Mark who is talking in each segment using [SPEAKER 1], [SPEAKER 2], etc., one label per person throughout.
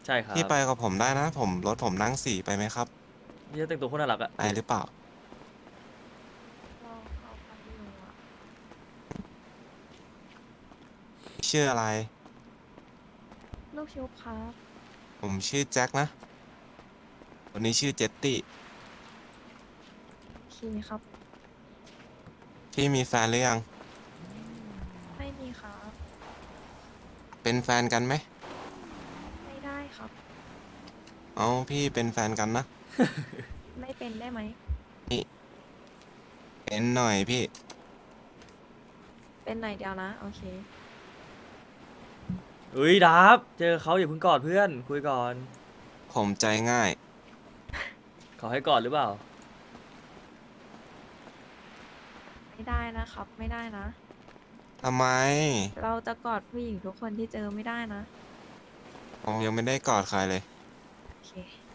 [SPEAKER 1] ใช่ครับ
[SPEAKER 2] พี่ไปกับผมได้นะรถผมนั่ง4ไปไหมครับ
[SPEAKER 1] พี่จะแต่งตัวโคนน่ารักอะ
[SPEAKER 2] ไป
[SPEAKER 1] ดูดิ
[SPEAKER 2] หรือเปล่า
[SPEAKER 3] เราไปอยู่อะ
[SPEAKER 2] ชื่ออะไร
[SPEAKER 3] ลูกชุบครับ
[SPEAKER 2] ผมชื่อแจ็คนะคนนี้ชื่อเจตตี้
[SPEAKER 3] โอเคครับ
[SPEAKER 2] พี่มีแฟนหรือยัง
[SPEAKER 3] ไม่มีครับ
[SPEAKER 2] เป็นแฟนกันไหม
[SPEAKER 3] ไม่ได้ครับ
[SPEAKER 2] เอาพี่เป็นแฟนกันนะ
[SPEAKER 3] ไม่เป็นได้ไหม
[SPEAKER 2] นี่เป็นหน่อยพี่
[SPEAKER 3] เป็นหน่อยเดียวนะโอเค
[SPEAKER 1] เฮ้ยดับเจอเขาอย่าเพิ่งกอดเพื่อนคุยก่อน
[SPEAKER 2] ผมใจง่าย
[SPEAKER 1] เขาให้กอดหรือเปล่า
[SPEAKER 3] ไม่ได้นะครับไม่ได้นะ
[SPEAKER 2] ทำไม
[SPEAKER 3] เราจะกอดผู้หญิงทุกคนที่เจอไม่ได้นะ
[SPEAKER 2] ผมยังไม่ได้กอดใครเลย
[SPEAKER 3] โอเค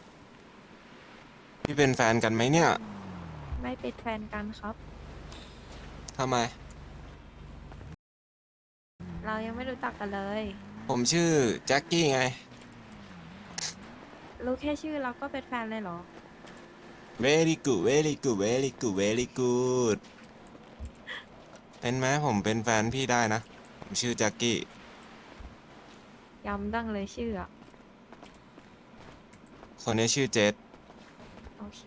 [SPEAKER 2] พี่เป็นแฟนกันไหมเนี่ย
[SPEAKER 3] ไม่เป็นแฟนกันครับ
[SPEAKER 2] ทำไม
[SPEAKER 3] เรายังไม่รู้จักกันเลย
[SPEAKER 2] ผมชื่อแจ็คกี้ไง
[SPEAKER 3] รู้แค่ชื่อเราก็เป็นแฟนเลยเหรอ
[SPEAKER 2] very good very good very good very good เป็นไหมผมเป็นแฟนพี่ได้นะผมชื่อแจ็คกี้
[SPEAKER 3] ย้ำดังเลยชื่ออะ
[SPEAKER 2] คนนี้ชื่อเจษ
[SPEAKER 3] โอเค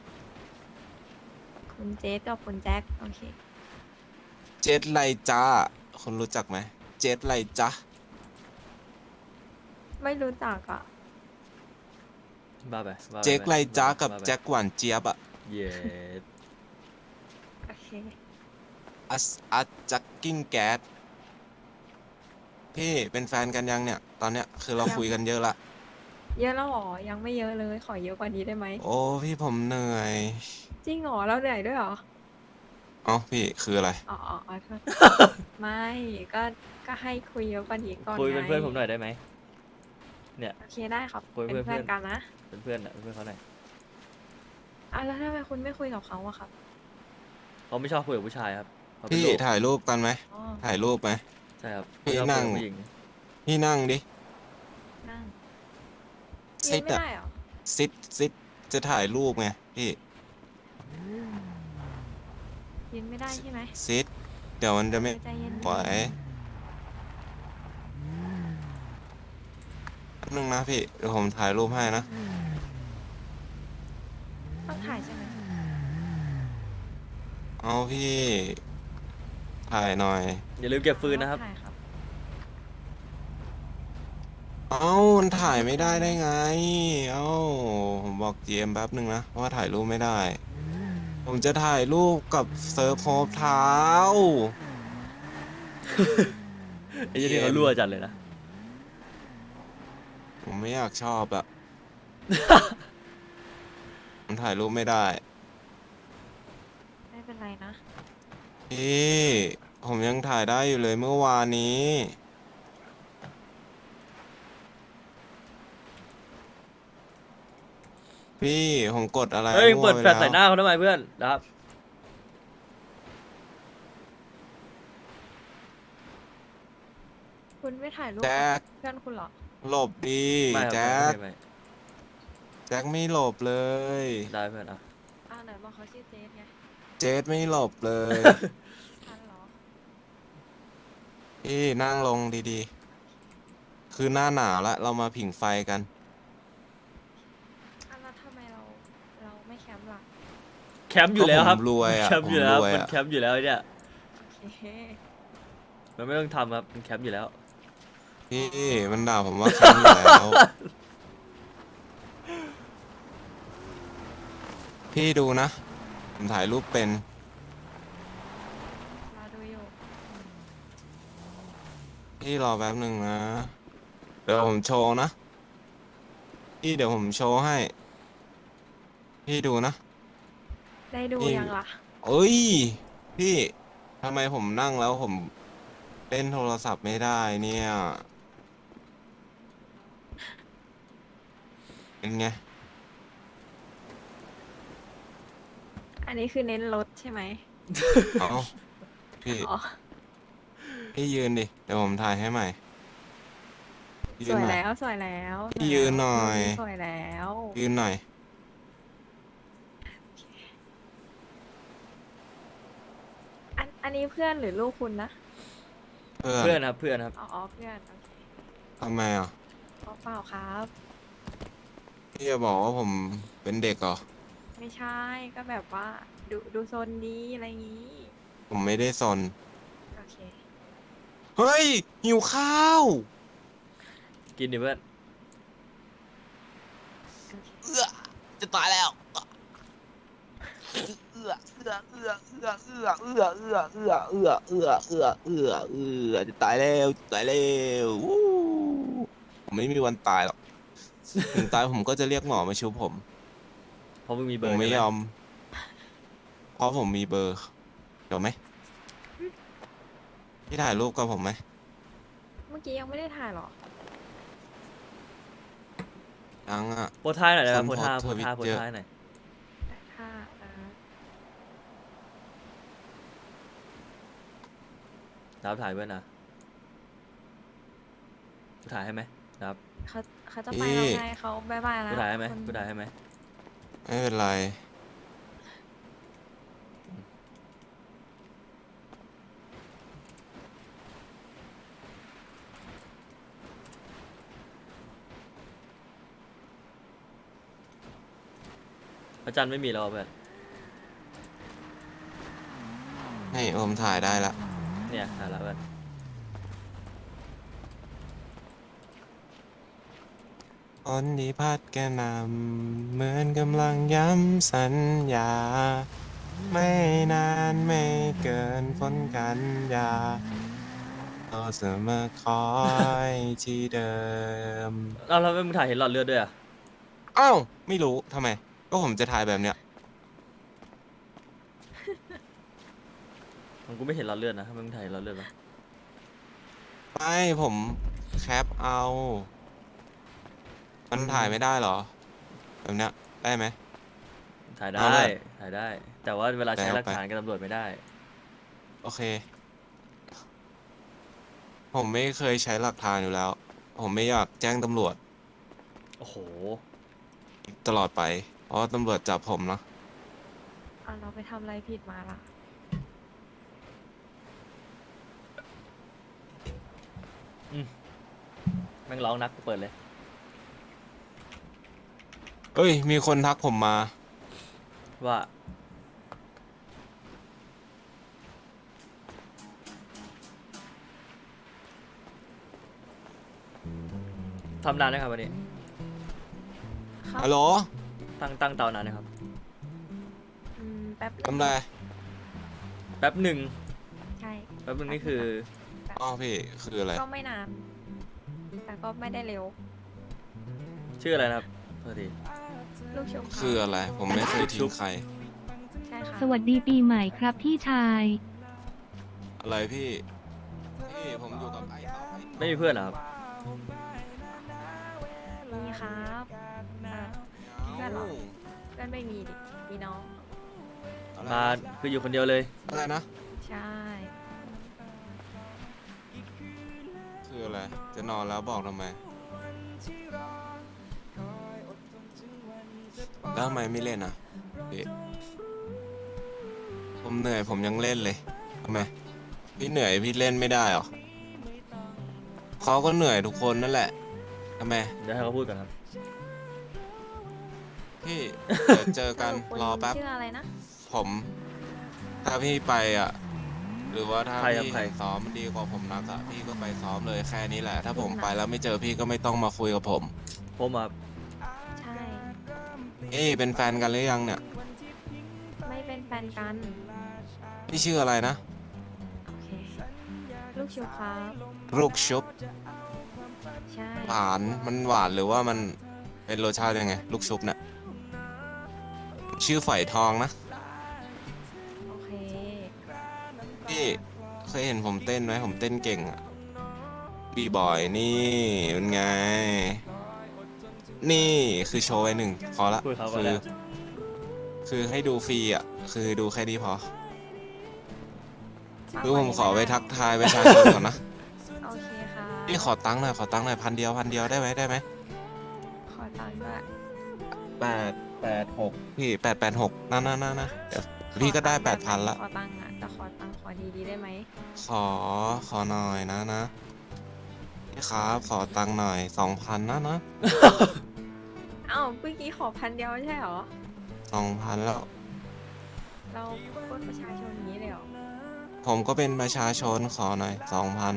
[SPEAKER 3] คุณเจสกับคุณแจ็คโอเค
[SPEAKER 2] เจษไรจ้าคนรู้จักไหมเจษไรจ้า
[SPEAKER 3] ไม่รู้จักอ่ะ
[SPEAKER 1] บ้าไปบ้าไป
[SPEAKER 2] เจ๊กไรจ้ากับ
[SPEAKER 1] บ้าไป
[SPEAKER 2] แจ็คหวานเจี๊ยบอะ
[SPEAKER 1] เย็ด
[SPEAKER 3] โอเค
[SPEAKER 2] อัสจักกิ้งแก๊สพี่เป็นแฟนกันยังเนี่ย ตอนเนี้ยคือเรา
[SPEAKER 3] ยัง
[SPEAKER 2] คุยกันเยอะละ
[SPEAKER 3] เยอะแล้วเหรอยังไม่เยอะเลยขอเยอะกว่านี้ได้ไหม
[SPEAKER 2] โอ้พี่ผมเหนื่อย
[SPEAKER 3] จริงเหรอเราเหนื่อยด้วยเหรอ
[SPEAKER 2] เอ๋อพี่คืออะไร
[SPEAKER 3] อ๋อโทษไม่ก็ก็ให้คุยเยอะกว่านี้ก่อน
[SPEAKER 1] คุย
[SPEAKER 3] ไง
[SPEAKER 1] เป็นเพื่อนผมหน่อยได้ไหมเนี่ย
[SPEAKER 3] โอเคได้ครับ
[SPEAKER 1] คุย
[SPEAKER 3] เป็น
[SPEAKER 1] เพื่อนเพื่อน
[SPEAKER 3] เพื่อนกันนะ
[SPEAKER 1] เป็นเพื่อนอะเป็นเพื่อนเขาหน่อย
[SPEAKER 3] อ่ะแล้วทำไมคุณไม่คุยกับเขาอะครับ
[SPEAKER 1] เขาไม่ชอบคุยกับผู้ชายครับเขาเป็น
[SPEAKER 2] พี่
[SPEAKER 1] โรค
[SPEAKER 2] ถ่ายรูปกันไหม
[SPEAKER 3] อ๋อ
[SPEAKER 2] ถ่ายรูปไหม
[SPEAKER 1] ใช่ครับไม่
[SPEAKER 2] พี่
[SPEAKER 1] ชอบคุย
[SPEAKER 2] นั่ง
[SPEAKER 1] กับผู้หญิง
[SPEAKER 2] พี่นั่งดิ
[SPEAKER 3] นั่งยื
[SPEAKER 2] ซิดอะ
[SPEAKER 3] นไม่ได้เหรอ
[SPEAKER 2] ซิดจะถ่ายรูปไงพี่
[SPEAKER 3] ยืนไม่ได้ใช่ไหม
[SPEAKER 2] ซิดเดี๋ยวมันจะไม่
[SPEAKER 3] ใจเย็น
[SPEAKER 2] ไหวแป๊บนึงนะพี่เดี๋ยวผมถ่ายรูปให้นะ
[SPEAKER 3] ต้องถ่ายใช่ไหม
[SPEAKER 2] เอาพี่ถ่ายหน่อย
[SPEAKER 1] อย่าลืมเก็บฟืนนะครับ
[SPEAKER 3] ถ่ายครับ
[SPEAKER 2] เอ้ามันถ่ายไม่ได้ได้ไงเอ้าผมบอกเจมแป๊บหนึ่งนะว่าถ่ายรูปไม่ได้ผมจะถ่ายรูปกับเซิร์ฟโฮปเท้า
[SPEAKER 1] ไอ้
[SPEAKER 2] เจ
[SPEAKER 1] ยี่นี่เขา
[SPEAKER 2] ม
[SPEAKER 1] รั่วจัดเลยนะ
[SPEAKER 2] ผมไม่อยากชอบอะมันถ่ายรูปไม่ได้
[SPEAKER 3] ไม่เป็นไรนะ
[SPEAKER 2] พี่ผมยังถ่ายได้อยู่เลยเมื่อวานนี้พี่ผมกดอะไร
[SPEAKER 1] เฮ้ย
[SPEAKER 2] มั่
[SPEAKER 1] เปิด
[SPEAKER 2] วไปแล้ว
[SPEAKER 1] แฟลชใส่หน้าเขาทำไมเพื่อนนะครับ
[SPEAKER 3] คุณไม่ถ่ายรูปกับ
[SPEAKER 2] แจ็ค
[SPEAKER 3] เพื่อนคุณเหรอ
[SPEAKER 2] หลบดี
[SPEAKER 1] ไม่ครับ
[SPEAKER 2] แจ็ค
[SPEAKER 1] ไม่
[SPEAKER 2] แจ็คไม่หลบเลย
[SPEAKER 1] ได้เพื่อนอ่ะ
[SPEAKER 3] อ้าวไหนบอกเขาชื่อเจสไง
[SPEAKER 2] เจดไม่หลบเลย
[SPEAKER 3] ทันเหรอ
[SPEAKER 2] พี่นั่งลงดีๆ คือหน้าหนาวแล้วเรามาผิงไฟกัน
[SPEAKER 3] อ้าวแล้วทำไมเราไม่แคมป์ล่ะ
[SPEAKER 1] แคมป์อยู่แล้วครับ
[SPEAKER 2] ก็ผมรวยอะ
[SPEAKER 1] แคมป์อยู่แล้ว
[SPEAKER 2] ผมรวย
[SPEAKER 1] มัน
[SPEAKER 2] อะ
[SPEAKER 1] แคมป์อยู่แล้วไอ้เนี่ย
[SPEAKER 3] โอเค
[SPEAKER 1] มันไม่ต้องทำครับมันแคมป์อยู่แล้ว
[SPEAKER 2] พี่มันด่าผมว่าแค้นอยู่แล้ว พี่ดูนะ ผมถ่ายรูปเป็น
[SPEAKER 3] เราดูอยู่
[SPEAKER 2] พี่รอแป๊บหนึ่งนะ เดี๋ยวผมโชว์นะ พี่เดี๋ยวผมโชว์ให้ พี่ดูนะ
[SPEAKER 3] ได้ดู
[SPEAKER 2] พี่
[SPEAKER 3] ยังล่ะ
[SPEAKER 2] เอ้ย พี่ทำไมผมนั่งแล้วผมเล่นโทรศัพท์ไม่ได้เนี่ย เป็นไง
[SPEAKER 3] อันนี้คือเน้นรถใช่ไหม
[SPEAKER 2] เอาพี่
[SPEAKER 3] อ๋อ
[SPEAKER 2] พี่ยืนดิ เดี๋ยวผมถ่ายให้ใหม่ยื
[SPEAKER 3] ส
[SPEAKER 2] น
[SPEAKER 3] วย
[SPEAKER 2] หน่อย
[SPEAKER 3] แล้วสวยแล้ว
[SPEAKER 2] พี่ยืนหน่อย
[SPEAKER 3] สวยแล้ว
[SPEAKER 2] ยืนหน่อย
[SPEAKER 3] อันนี้เพื่อนหรือลูกคุณนะ
[SPEAKER 2] เพื่อน
[SPEAKER 1] เพื่อนครับเพื่อนครับ
[SPEAKER 3] อ๋อเพื่อนโอเค
[SPEAKER 2] ทำไมอ่ะ
[SPEAKER 3] เปล่าครับ
[SPEAKER 2] พี่จะบอกว่าผมเป็นเด็กเหรอ
[SPEAKER 3] ไม่ใช่ก็แบบว่าดูโซนดีอะไรอย่างงี้
[SPEAKER 2] ผมไม่ได้สน
[SPEAKER 3] โอเค
[SPEAKER 2] เฮ้ย หิวข้าว
[SPEAKER 1] กินดิเพื่อน
[SPEAKER 3] โอเค
[SPEAKER 2] เอื้อจะตายแล้วเอื้อจะตายแล้วจะตายแล้ววู้ผมไม่มีวันตายหรอกถึงตายผมก็จะเรียกหมอมาชุบผม
[SPEAKER 1] เพราะมึงมีเบ
[SPEAKER 2] ผ
[SPEAKER 1] อ
[SPEAKER 2] ม
[SPEAKER 1] ร์
[SPEAKER 2] ไม่
[SPEAKER 1] ใช่ไห
[SPEAKER 2] ยอม เพราะผมมีเบอร์เดี๋ยวไหมพี่ถ่ายรูปกับผมไหม
[SPEAKER 3] เมื่อกี้ยังไม่ได้ถ่ายหรอ
[SPEAKER 2] ยังอ่ะ
[SPEAKER 1] โพสท่ายหน่อยนะครับ
[SPEAKER 2] คน
[SPEAKER 1] โพสท่า
[SPEAKER 2] โพ
[SPEAKER 1] โพ
[SPEAKER 2] ส
[SPEAKER 1] ส
[SPEAKER 2] ต์
[SPEAKER 1] ท่า
[SPEAKER 2] ท
[SPEAKER 1] โพ
[SPEAKER 2] วิ
[SPEAKER 1] ส
[SPEAKER 2] ตเยอะ
[SPEAKER 1] ท่าหน่อย
[SPEAKER 3] แต่ถ้า
[SPEAKER 1] รับถ่ายเพื่อนนะกูถ่ายให้ไหมครับ
[SPEAKER 3] เขาจะไปแล้วไงเขาบายบายแล้ว
[SPEAKER 1] กูถ่ายให้ไหม
[SPEAKER 3] คุณ
[SPEAKER 1] กูถ่ายให้ไหม
[SPEAKER 2] ไม่เป็นไร
[SPEAKER 1] พระจันทร์ไม่มีแล้วเพื่อน
[SPEAKER 2] ให้โอมถ่ายได้ละ
[SPEAKER 1] เนี่ยถ่ายแล้วเพื่อน
[SPEAKER 2] ฝนที่พัดกระหน่ำเหมือนกำลังย้ำสัญญา ไม่นานไม่เกินฝนกันยาเราเสมอคอยที่เดิม
[SPEAKER 1] เอาแล้วมึงถ่ายเห็นหลอดเลือดด้วยอ่ะ
[SPEAKER 2] อ้าวไม่รู้ทำไม ก็ผมจะถ่ายแบบเนี้ย
[SPEAKER 1] มันกูไม่เห็นหลอดเลือดนะทำไมมึงถ่ายเห็นหลอดเลือดวะ
[SPEAKER 2] ไม่ผมแคปเอา มันถ่ายไม่ได้เหรอ แบบเนี้ยได้ไหม
[SPEAKER 1] ถ่าย
[SPEAKER 2] เอา
[SPEAKER 1] ได้
[SPEAKER 2] เลย
[SPEAKER 1] ถ่ายได้ แต่ว่าเวลาใช้
[SPEAKER 2] แต่เอา
[SPEAKER 1] หลัก
[SPEAKER 2] ไป
[SPEAKER 1] ฐานกับตำรวจไม่ได้
[SPEAKER 2] โอเค ผมไม่เคยใช้หลักฐานอยู่แล้ว ผมไม่อยากแจ้งตำรวจ
[SPEAKER 1] โอ้โห
[SPEAKER 2] ตลอดไป เพราะว่าตำรวจจับผมเนาะ
[SPEAKER 3] เอาเราไปทำอะไรผิดมาล่ะ
[SPEAKER 1] แม่งร้องนักกูเปิดเลย
[SPEAKER 2] เอ้ย มีคนทักผมมา
[SPEAKER 1] ว่าทำนานนะครับวันนี้
[SPEAKER 3] ครับ
[SPEAKER 2] ฮัลโหล
[SPEAKER 1] ตั้งเตานานนะครับ
[SPEAKER 3] แป๊บนึง
[SPEAKER 2] ทำไร
[SPEAKER 1] แป๊บหนึ่ง
[SPEAKER 3] ใช่
[SPEAKER 1] แป๊บหนึ่งนี่คือ
[SPEAKER 2] อ้าวพี่ คืออะไร
[SPEAKER 3] ก็ไม่นาน แต่ก็ไม่ได้เร็ว
[SPEAKER 1] ชื่ออะไรนะครับพอดี
[SPEAKER 3] ลูกชุบ
[SPEAKER 2] คืออะไร ผมไม่เคยทิ้งใคร
[SPEAKER 3] ใช่ค่ะ
[SPEAKER 4] สวัสดีปีใหม่ครับพี่ชาย
[SPEAKER 2] อะไรพี่ พี่ผมอยู่กับไอ้เขา
[SPEAKER 1] ไม่มีเพื่อนเหรอครับ
[SPEAKER 3] นี่ครับเพื่อนเหรอ เพื่อนไม่มีดิ มีน้อง
[SPEAKER 2] อะไร
[SPEAKER 1] มาคืออยู่คนเดียวเลย
[SPEAKER 2] อะไรนะ
[SPEAKER 3] ใช่
[SPEAKER 2] คืออะไร จะนอนแล้วบอกทำไม แล้วทำไมไม่เล่นอ่ะพี่ผมเหนื่อยผมยังเล่นเลยทำไม พี่เหนื่อยพี่เล่นไม่ได้หรอเขาก็เหนื่อยทุกคนนั่นแหละทำไม
[SPEAKER 1] เดี๋ยวให้เขาพูดก่อนครับ
[SPEAKER 2] พี่ เดี๋ยวเจอกัน
[SPEAKER 3] คุณ
[SPEAKER 2] รอแป๊บ
[SPEAKER 3] ชื่ออะไรนะ
[SPEAKER 2] ผม ถ้าพี่ไปอ่ะ หรือว่าถ้า
[SPEAKER 1] ใครครับ
[SPEAKER 2] พี่
[SPEAKER 1] ใคร
[SPEAKER 2] เห็นซ้อมมันดีกว่าผมนักอ่ะ พี่ก็ไปซ้อมเลยแค่นี้แหละ ถ้าผมไปแล้วไม่เจอพี่ก็ไม่ต้องมาคุยกับผม
[SPEAKER 1] ผมอ่ะ
[SPEAKER 3] ใช่
[SPEAKER 2] เอ้ยเป็นแฟนกันหรือยังเนี่ย
[SPEAKER 3] ไม่เป็นแฟนกัน
[SPEAKER 2] พี่ชื่ออะไรนะ
[SPEAKER 3] โอเค ลูกชุบครับ
[SPEAKER 2] ลูกชุบ
[SPEAKER 3] ใช่
[SPEAKER 2] หวานมันหวานหรือว่ามันเป็นรสชาติยังไง ลูกชุบเนี่ยชื่อฝอยทองนะ
[SPEAKER 3] โอเค
[SPEAKER 2] พี่เคยเห็นผมเต้นไหมผมเต้นเก่งอะบีบอยนี่เป็นไง นี่คือโชว์ไว้หนึ่งพอละ
[SPEAKER 1] พูดเขาก็
[SPEAKER 2] คื
[SPEAKER 1] ได้
[SPEAKER 2] คือให้ดูฟรีอ่ะ คือดูแค่นี้พอคือผมขอไปทักทายประชาชนก่อนนะ
[SPEAKER 3] โอเคค่ะ
[SPEAKER 2] เพี่ขอตังค์หน่อย1,000ได้ไหม
[SPEAKER 3] ขอตังค์ด้วย
[SPEAKER 2] 886พี่886นะเดี๋ยวพี่ก็ได้8,000ละ
[SPEAKER 3] ขอตังค์อ่ะแต่ขอตังค์ขอดีๆได้ไหม
[SPEAKER 2] ขอหน่อยนะพี่ครับขอตังค์หน่อย2,000นะ
[SPEAKER 3] อ้าวเมื่อกี้ขอ1,000ไม่ใช่เหรอ
[SPEAKER 2] 2,000แล้ว
[SPEAKER 3] เราปล้นประชาชนอย่างนี้เลยเหรอ
[SPEAKER 2] ผมก็เป็นประชาชนขอหน่อย2,000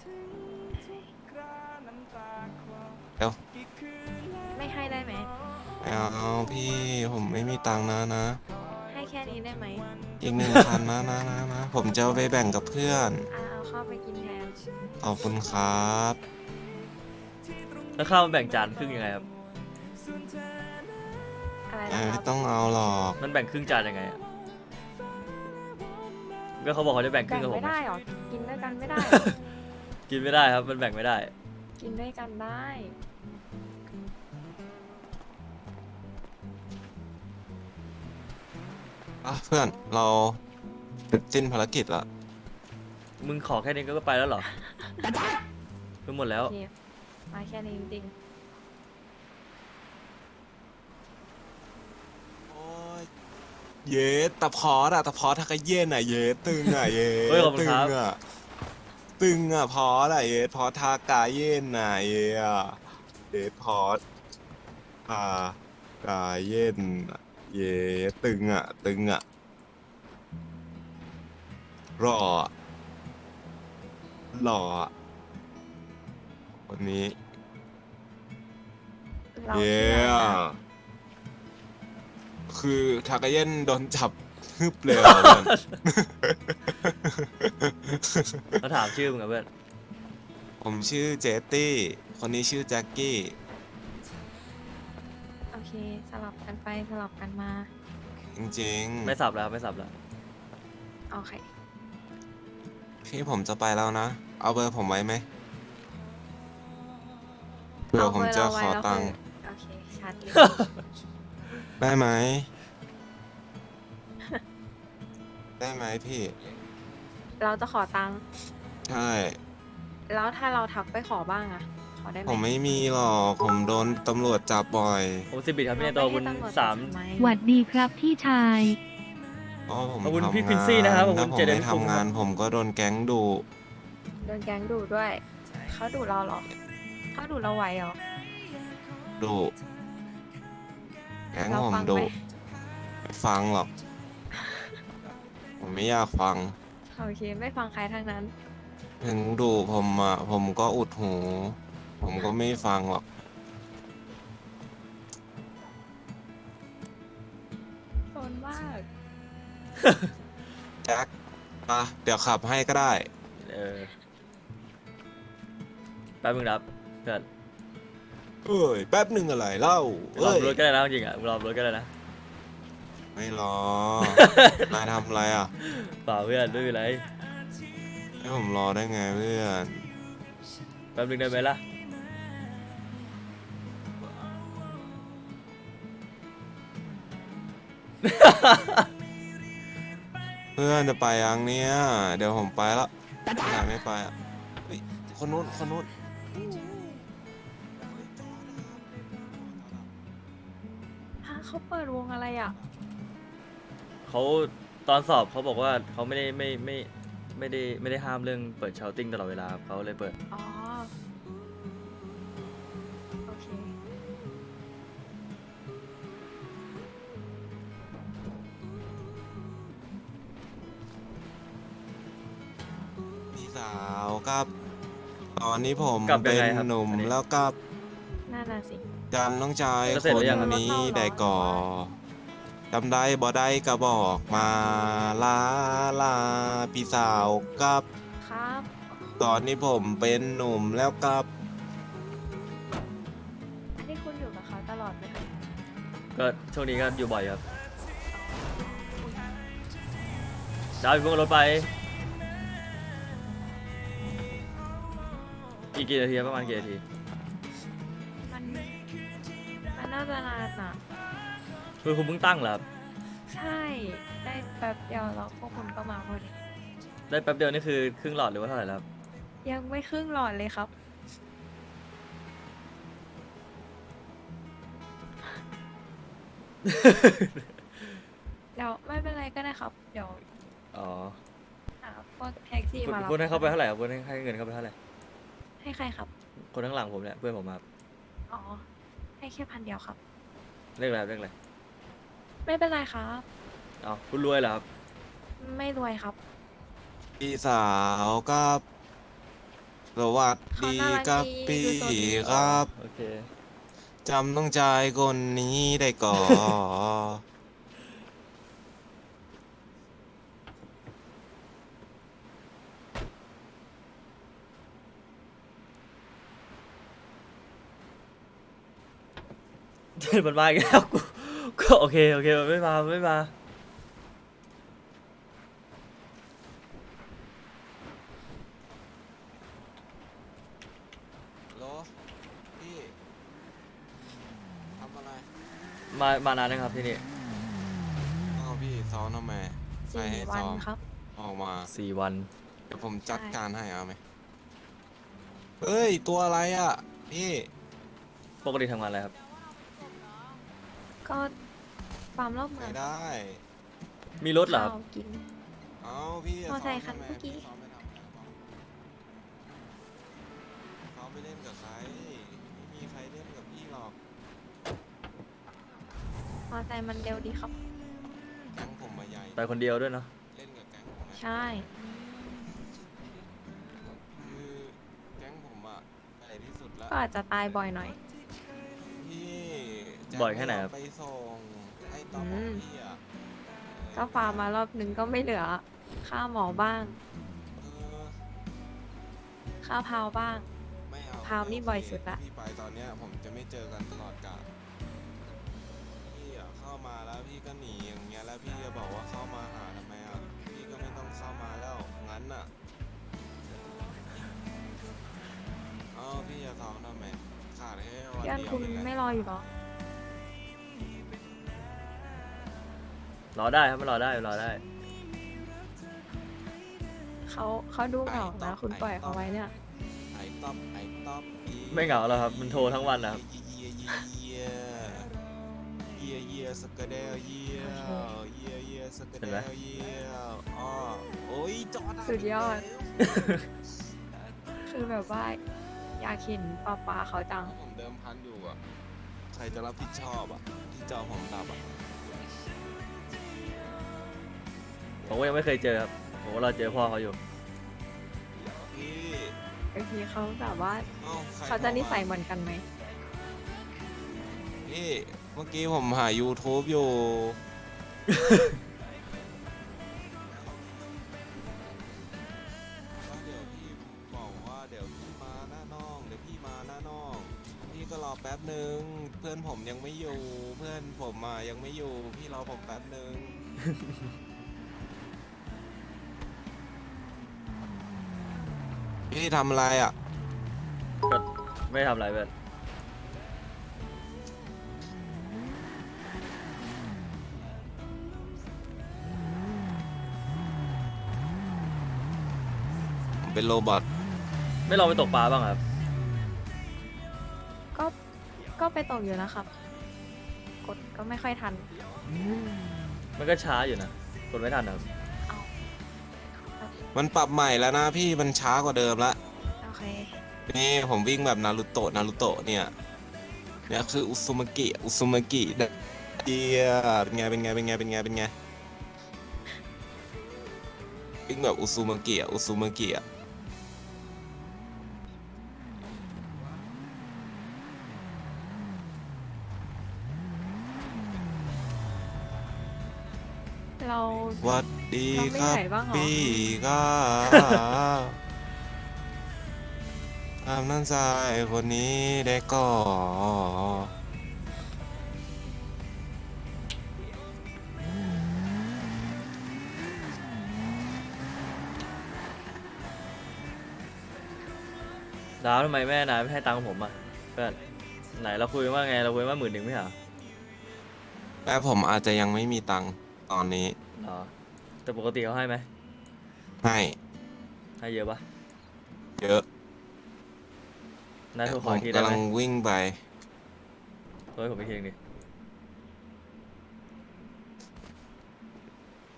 [SPEAKER 2] เดี๋ยว
[SPEAKER 3] ไม่ให้ได้ไหม
[SPEAKER 2] ไม่เอาพี่ผมไม่มีตังค์นะ
[SPEAKER 3] ให้แค่นี้ได้ไหม
[SPEAKER 2] อีก1,000นะผมจะเอาไปแบ่งกับเพื่อน
[SPEAKER 3] เอาเข้าไปกินแทน
[SPEAKER 2] ขอบคุณครับ
[SPEAKER 1] แล้วข้าวมันแบ่งจานครึ่งยังไงครับ
[SPEAKER 3] อะไร
[SPEAKER 2] ไม่
[SPEAKER 3] นะครับ
[SPEAKER 2] ต้องเอาหรอก
[SPEAKER 1] มันแบ่งครึ่งจานยังไงอะก็เขาบอกเขาจะแบ่งครึ่
[SPEAKER 3] แบ่
[SPEAKER 1] ง
[SPEAKER 3] ง
[SPEAKER 1] กับผม
[SPEAKER 3] ไม่
[SPEAKER 1] ไง
[SPEAKER 3] ได้หรอ กินด้วยกันไม่ได้หรอ
[SPEAKER 1] กินไม่ได้ครับมันแบ่งไม่ได้
[SPEAKER 3] กินด้วยกันได้
[SPEAKER 2] อ่ะเพื่อนเราเสร็จสิ้นภารกิจละ
[SPEAKER 1] มึงขอแค่นี้ก็ไปแล้วเหรอเพิ่งหมดแล้ว
[SPEAKER 3] โอเค มาแค่นี้จริง
[SPEAKER 2] โอ้ยเย้ตะพอดทักกะเย็นอ่ะเย้ตึงอ่ะเย้
[SPEAKER 1] เฮ้ยขอบคุณ
[SPEAKER 2] ตึ
[SPEAKER 1] ครั
[SPEAKER 2] ง
[SPEAKER 1] บ
[SPEAKER 2] อ่ะตึงอ่ะพอดอ่ะเย้พอทากาเย็นอ่ะเย้อ่ะเย้พอดทากาเย็นอ่ะเย้ตึงอ่ะรออ่ะหล่ออ่ะวันนี้
[SPEAKER 3] ๆ เรา
[SPEAKER 2] เย้
[SPEAKER 3] ชื่ออะไรนะ
[SPEAKER 2] คือทากาเย็นโดนจับฮึบเลยอ่ะเพื่อน
[SPEAKER 1] เขาถามชื่อมึงอะเพื่อน
[SPEAKER 2] ผมชื่อเจตตี้ คนนี้ชื่อแจ็คกี้
[SPEAKER 3] โอเค สลับกันไปสลับกันมา
[SPEAKER 2] จริง
[SPEAKER 1] ไม่สับแล้วไม่สับแล้ว
[SPEAKER 3] โอเค
[SPEAKER 2] ๆ พี่ผมจะไปแล้วนะ เอาเบอร์ผมไว้ไหมเผื่อผมจะขอตังค์
[SPEAKER 3] โอเค ชัดเลย
[SPEAKER 2] ได้ไหม ได้ไหมพี่
[SPEAKER 3] เราจะขอตังค์
[SPEAKER 2] ใช่
[SPEAKER 3] แล้วถ้าเราทักไปขอบ้างอะขอได้ไหม
[SPEAKER 2] ผมไม่มีหรอก ผมโดนตำรวจจับบ่อย
[SPEAKER 1] ผม10 บิตครับพี่ในตัวคุณ
[SPEAKER 3] เรไม่ให้ตำรวจ
[SPEAKER 1] สาม
[SPEAKER 3] จับไหม
[SPEAKER 4] หวัดดีครับพี่ชาย
[SPEAKER 2] อ๋อผม
[SPEAKER 1] ขอบคุณ
[SPEAKER 2] ทำ
[SPEAKER 1] พี่
[SPEAKER 2] งา
[SPEAKER 1] Quincy นะครับขอบคุณ
[SPEAKER 2] ถ้าผม
[SPEAKER 1] เจเดน
[SPEAKER 2] ไม่
[SPEAKER 1] ฟุง
[SPEAKER 2] ทำงาน
[SPEAKER 1] ครับ
[SPEAKER 2] ผมก็โดนแก๊งดุ
[SPEAKER 3] โดนแก๊งดูด้วย เขาดูเราเหรอ เขาดูเราไหวเหรอ
[SPEAKER 2] ดุแก๊ง
[SPEAKER 3] เรา
[SPEAKER 2] ผม
[SPEAKER 3] ฟัง
[SPEAKER 2] ดุ
[SPEAKER 3] ไหม
[SPEAKER 2] ไม่ฟังหรอก ผมไม่อยากฟัง
[SPEAKER 3] โอเค ไม่ฟังใครทั้งนั้น
[SPEAKER 2] ถึงดุผมอ่ะ ผมก็อุดหู ผมก็ไม่ฟังหรอก
[SPEAKER 3] โซนมาก
[SPEAKER 2] แจ็คเดี๋ยวขับให้ก็ได้
[SPEAKER 1] เออแป๊บมึงรับเพื่อน
[SPEAKER 2] เอ้ย แป๊บหนึ่งอะไรเล่าร
[SPEAKER 1] อ
[SPEAKER 2] เอ้ย
[SPEAKER 1] รถก็ได้นะจริงๆอ่ะมึงรอรถก็ได้นะ
[SPEAKER 2] ไม่รอ นายทำอะไรอ่ะ
[SPEAKER 1] เปล่าเพื่อนไม่เป็นไร
[SPEAKER 2] ให้ผมรอได้ไงเพื่อน
[SPEAKER 1] แป๊บนึงได้ไหมล่ะ
[SPEAKER 2] เพื่อนจะไปยังเนี้ยเดี๋ยวผมไปละนายไม่ไปอ่ะเฮ้ยคนนู้น
[SPEAKER 3] ฮะเขาเปิดวงอะไรอ่ะ
[SPEAKER 1] เขาตอนสอบเขาบอกว่าเขาไม่ได้ห้ามเรื่องเปิดชาวติ้งตลอดเวลาครับเขาเลยเปิด
[SPEAKER 3] อ๋อ โอเค
[SPEAKER 2] พี่สาวครับ ตอนนี้ผม
[SPEAKER 1] กลับยั
[SPEAKER 2] เป็
[SPEAKER 1] ง
[SPEAKER 2] น
[SPEAKER 1] ไงครับ
[SPEAKER 2] หนุ่ม
[SPEAKER 1] อันนี้
[SPEAKER 2] แล้วกับ
[SPEAKER 3] น่าน่ะสิ
[SPEAKER 2] จำน้องชาย
[SPEAKER 1] แล้ว
[SPEAKER 2] ค
[SPEAKER 1] เสร็จหรื
[SPEAKER 2] น
[SPEAKER 1] อยังครับ
[SPEAKER 2] นี้ได้ก่อจำได้บ่ได้ก็บอกมาลาพี่สาวครับ
[SPEAKER 3] ครับ
[SPEAKER 2] ตอนนี้ผมเป็นหนุ่มแล้วครับ
[SPEAKER 3] อันนี้คุณอยู่กับเขาตลอดไหมคะ
[SPEAKER 1] ก็ช่วงนี้ก็อยู่บ่อยครับดาวอยู่บนรถไปอีกกี่นาทีครับประมาณกี่นาที
[SPEAKER 3] มันน่าจะนานอ่ะ
[SPEAKER 1] คือคุณเพิ่งตั้งเหรอครับ
[SPEAKER 3] ใช่ ได้แป๊บเดียวแล้วพวกคุณก็มาพอดี
[SPEAKER 1] ได้แป๊บเดียวนี่คือครึ่งหลอดหรือว่าเท่าไหร่แล้วครับ
[SPEAKER 3] ยังไม่ครึ่งหลอดเลยครับเดี๋ยวไม่เป็นไรก็ได้ครับ เดี๋ยว
[SPEAKER 1] อ๋อ
[SPEAKER 3] หาพวกแท็กซี่
[SPEAKER 1] คุณ
[SPEAKER 3] มารับ
[SPEAKER 1] คุณให้เขาไปเท่าไหร่ครับคุณให้เงินเขาไปเท่าไหร่
[SPEAKER 3] ให้ใครครับ
[SPEAKER 1] คนข้างหลังผมเนี่ยเพื่อนผมครับ
[SPEAKER 3] อ๋อ ให้แค่1,000 เดียวครับ
[SPEAKER 1] เลขอะไรครับเลขอะไร
[SPEAKER 3] ไม่เป็นไรครับ
[SPEAKER 1] เอาคุณรวยเหรอครับ
[SPEAKER 3] ไม่รวยครับ
[SPEAKER 2] พี่สาวครับสวัสดีครับ
[SPEAKER 3] เขาน่ารักดี
[SPEAKER 2] พี่
[SPEAKER 3] ดูโซนดี
[SPEAKER 2] ครับ
[SPEAKER 1] โอเค
[SPEAKER 2] จำต้องใจายคนนี้ได้ก่อน
[SPEAKER 1] มันมาอีกแล้วกูก็โอเคโอเคมันไม่มามันไม่มา
[SPEAKER 2] โลพี่ทำอะไร
[SPEAKER 1] มานานนะครับที่นี่
[SPEAKER 2] อ้าวพี่ซ้อมทำไมใครให้
[SPEAKER 3] 4 วั
[SPEAKER 2] ซ้
[SPEAKER 3] น
[SPEAKER 2] อม
[SPEAKER 3] ครับ
[SPEAKER 2] ออกมา
[SPEAKER 1] 4 วัน
[SPEAKER 2] เดี๋ยวผมจัด
[SPEAKER 3] ใช่
[SPEAKER 2] การให้เอาไหมเฮ้ย ตัวอะไรอ่ะ พี่
[SPEAKER 1] ปกติทำงานอะไรครับ
[SPEAKER 3] ก็ฟาร์มรอบเมื
[SPEAKER 2] ไม่
[SPEAKER 3] อง
[SPEAKER 2] ได้
[SPEAKER 1] มีรถเหรอครับ
[SPEAKER 3] ข้าวกิน
[SPEAKER 2] เอาพี่
[SPEAKER 3] มอไซค์
[SPEAKER 2] ซ้
[SPEAKER 3] คัน
[SPEAKER 2] ทำไ
[SPEAKER 3] เมื่อกี้
[SPEAKER 2] พี่ซ้อมไม่ทำอะไรบ้างซ้อมไปเล่นกับใคร ไม่มีใครเล่นกับพี่หรอก
[SPEAKER 3] มอไซค์มันเร็วดีครับ
[SPEAKER 2] แก๊งผมมาใหญ่
[SPEAKER 1] ไปคนเดียวด้วยเนาะ
[SPEAKER 2] เล่นกับแก๊งผมไหม
[SPEAKER 3] ใช่
[SPEAKER 2] คือแก๊งผมอะใหญ่ที่สุดละ
[SPEAKER 3] ก็อาจจะตายบ่อยหน่อย
[SPEAKER 2] พี่จะ
[SPEAKER 1] บ่อยแค่ไหนครับ
[SPEAKER 2] ไปส่งไอ้ตอของพี่อะ
[SPEAKER 3] ก็ฟาร์มมารอบนึงก็ไม่เหลือ ค่าหมอบ้าง
[SPEAKER 2] เออ
[SPEAKER 3] ค่าพาวบ้าง
[SPEAKER 2] ไม่เอา
[SPEAKER 3] พาวนี่
[SPEAKER 2] ไม่โเค
[SPEAKER 3] บ่อยสุดละ
[SPEAKER 2] พี่ไปตอนเนี้ยผมจะไม่เจอกันตลอดกาลพี่อะเข้ามาแล้วพี่ก็หนีอย่างเงี้ยแล้วพี่จะบอกว่าเข้ามาหาทำไมอะพี่ก็ไม่ต้องเข้ามาแล้วงั้นอะเอาพี่จะท้องทำไมขาดแค่วัน
[SPEAKER 3] เพื่อน
[SPEAKER 2] เดียว
[SPEAKER 3] คุณ
[SPEAKER 2] เองแหละ
[SPEAKER 3] ไม่รออยู่หรอ
[SPEAKER 1] รอได้ครับไม่รอได้รอได้
[SPEAKER 3] เขาดูเหงานะ คุณปล่อยเขาไว้เนี่ย
[SPEAKER 2] ไอ้ต๊อบไอ้ต๊อบ
[SPEAKER 1] ไม่เหงาแล้วครับมันโทรทั้งวันนะครับ
[SPEAKER 2] เยียเยียสกเดลเยียเยียเยียสกเดลเยียอ๋อโอ้ยจอด
[SPEAKER 3] สุดยอด คือแบบว่าอยากเห็นป้าเขาจัง
[SPEAKER 2] ผมเดิมพันอยู่อ่ะใครจะรับผิดชอบอ่ะที่จอผมดับอ่ะ
[SPEAKER 1] ผมก็ยังไม่เคยเจอครับผมก็รอเจอพ่อเขาอยู่
[SPEAKER 2] พี่
[SPEAKER 3] บางทีเขาแบบว่า
[SPEAKER 2] เอ้าใคร
[SPEAKER 3] เขาจะนิสัยเหมือนกันไหม
[SPEAKER 2] พี่เมื่อกี้ผมหา YouTube อยู่ ก็เดี๋ยวพี่บอกว่าเดี๋ยวพี่มาหน้าน้องเดี๋ยวพี่มาหน้าน้องพี่ก็รอแป๊บหนึ่งเพื่อนผมยังไม่อยู่เพื่อนผมอ่ะยังไม่อยู่พี่รอผมแป๊บหนึ่ง พี่ทำอะไรอ่ะ
[SPEAKER 1] ก็ไม่ทำอะไรเพื่อน
[SPEAKER 2] ผมเป็นโรบอท
[SPEAKER 1] ไม่ลองไปตกปลาบ้างครับ
[SPEAKER 3] ก็ก็ไปตกอยู่นะครับ กดก็ไม่ค่อยทัน
[SPEAKER 1] มันก็ช้าอยู่นะกดไม่ทันนะครับ
[SPEAKER 3] เอา
[SPEAKER 2] มันปรับใหม่แล้วนะพี่มันช้ากว่าเดิมละ
[SPEAKER 3] โอเค
[SPEAKER 2] นี่ผมวิ่งแบบนารูโตะเนี่ยเนี่ยคืออุซุมากิเดียเป็นไงวิ่งแบบอุซุมากิอ่ะ
[SPEAKER 3] เรา
[SPEAKER 2] หวัดดีครับ
[SPEAKER 3] เราไม่เหนื่อยบ้างเหรอ
[SPEAKER 2] พี่ก็ทำนั่นชายคนนี้ได้ก่อ
[SPEAKER 1] ดาวทำไมแม่นายไม่ให้ตังค์ผมอ่ะเพื่อนไหนเราคุยกันว่าไงเราคุยกันว่า10,000ไม่เหรอ
[SPEAKER 2] แม่ผมอาจจะยังไม่มีตังค์ตอนนี้
[SPEAKER 1] เหรอแต่ปกติเขาให้ไหม
[SPEAKER 2] ให้
[SPEAKER 1] ให้เยอะปะ
[SPEAKER 2] เยอะ
[SPEAKER 1] นายโทรข
[SPEAKER 2] ผ
[SPEAKER 1] อ
[SPEAKER 2] ม
[SPEAKER 1] อีกทีได้
[SPEAKER 2] กำลั
[SPEAKER 1] ไหม
[SPEAKER 2] งวิ่งไป
[SPEAKER 1] โทรให้ผมไปเคียงดิ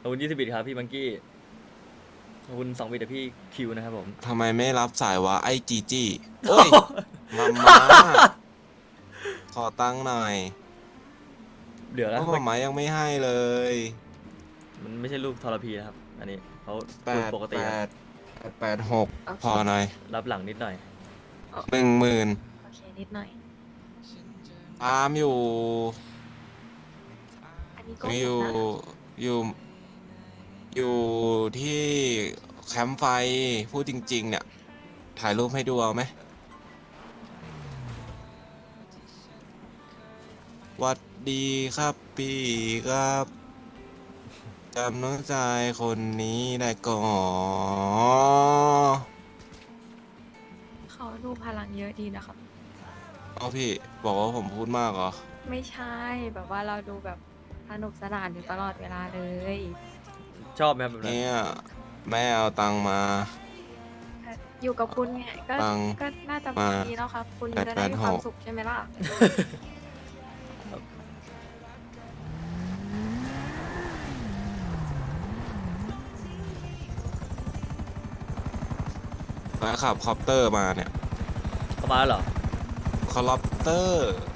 [SPEAKER 1] ขอบคุณ20 บิตครับพี่บังกี้ขอบคุณ2 บิตจากพี่คิวนะครับผม
[SPEAKER 2] ทำไมไม่รับสายวะไอ้จีจี้โอ้ย มาม่าขอตังค์หน่อย
[SPEAKER 1] เดี๋ยว
[SPEAKER 2] เพ
[SPEAKER 1] นะ
[SPEAKER 2] ราะมาม่ายังไม่ให้เลย
[SPEAKER 1] มันไม่ใช่รูปทรพีนะครับ อันนี้เขา
[SPEAKER 2] แป
[SPEAKER 1] พูด
[SPEAKER 2] ด
[SPEAKER 1] ปกติ
[SPEAKER 2] แป
[SPEAKER 1] ครับ
[SPEAKER 2] ด886พอหน่อย
[SPEAKER 1] รับหลังนิดหน่อย
[SPEAKER 2] 10,000
[SPEAKER 3] โอเคนิดหน่อย
[SPEAKER 2] ตามอยู่
[SPEAKER 3] อันนี้ก็
[SPEAKER 2] อยู่
[SPEAKER 3] นะ
[SPEAKER 2] อยู่อยู่ที่แคมป์ไฟพูดจริง ๆ เนี่ย ถ่ายรูปให้ดูเอาไหมหวัดดีครับพี่ครับจำน้องชายคนนี้ได้ก่อน
[SPEAKER 3] เขาดูพลังเยอะดีนะครับ
[SPEAKER 2] เอาพี่บอกว่าผมพูดมากเหรอ
[SPEAKER 3] ไม่ใช่แบบว่าเราดูแบบสนุกสนานอยู่ตลอดเวลาเลย
[SPEAKER 1] ชอบไหมครับแบบนั้น
[SPEAKER 2] เนี่ยแม่เอาตังค์มา
[SPEAKER 3] อยู่กับคุณไงก็
[SPEAKER 2] ตังค์
[SPEAKER 3] ก็น่าจะ
[SPEAKER 2] มา
[SPEAKER 3] ดีแล้วครับ คุณจะได้มีความ
[SPEAKER 2] 886
[SPEAKER 3] สุขใช่ไหมล่ะ
[SPEAKER 2] แล้วขับคอปเตอร์มาเนี่ย
[SPEAKER 1] เข้ามาแล้วเหรอ
[SPEAKER 2] คอปเตอร์